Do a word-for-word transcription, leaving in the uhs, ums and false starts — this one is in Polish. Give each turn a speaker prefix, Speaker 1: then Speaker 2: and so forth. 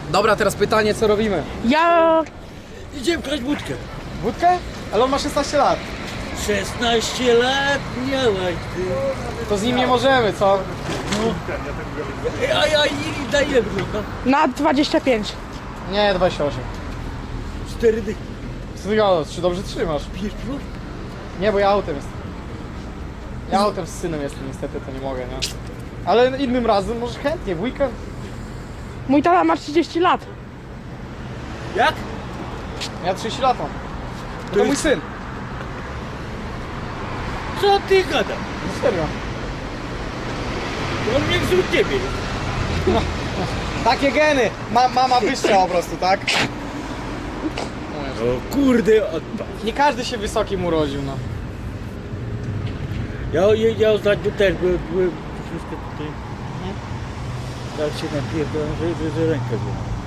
Speaker 1: Dobra, teraz pytanie, co robimy?
Speaker 2: Ja...
Speaker 3: Idziemy kraść budkę.
Speaker 1: Wódkę? Ale on ma szesnaście lat.
Speaker 3: szesnaście lat miałaś ty.
Speaker 1: To z nim nie możemy, co?
Speaker 3: A ja i daj ile wygląda?
Speaker 2: Na dwadzieścia pięć.
Speaker 1: Nie, dwadzieścia osiem.
Speaker 3: Cztery dychy.
Speaker 1: Co ty gadasz? Czy dobrze trzymasz?
Speaker 3: Pijesz piwo?
Speaker 1: Nie, bo ja autem jestem. Ja autem z synem jestem, niestety to nie mogę, nie? Ale innym razem, może chętnie, w weekend.
Speaker 2: Mój tata ma trzydzieści lat.
Speaker 3: Jak?
Speaker 1: Ja trzydzieści lat mam. To, to mój syn.
Speaker 3: Co ty gadasz?
Speaker 1: No serio.
Speaker 3: On mnie wśród ciebie.
Speaker 1: Takie geny! Ma, mama wyższa po prostu, tak?
Speaker 3: O kurde, odpad.
Speaker 1: Nie każdy się wysokim urodził, no.
Speaker 3: Ja, ja, ja ostatnio też byłem, byłem wszystko tutaj. Tak się napierdolam, że, że, że rękę złamałem.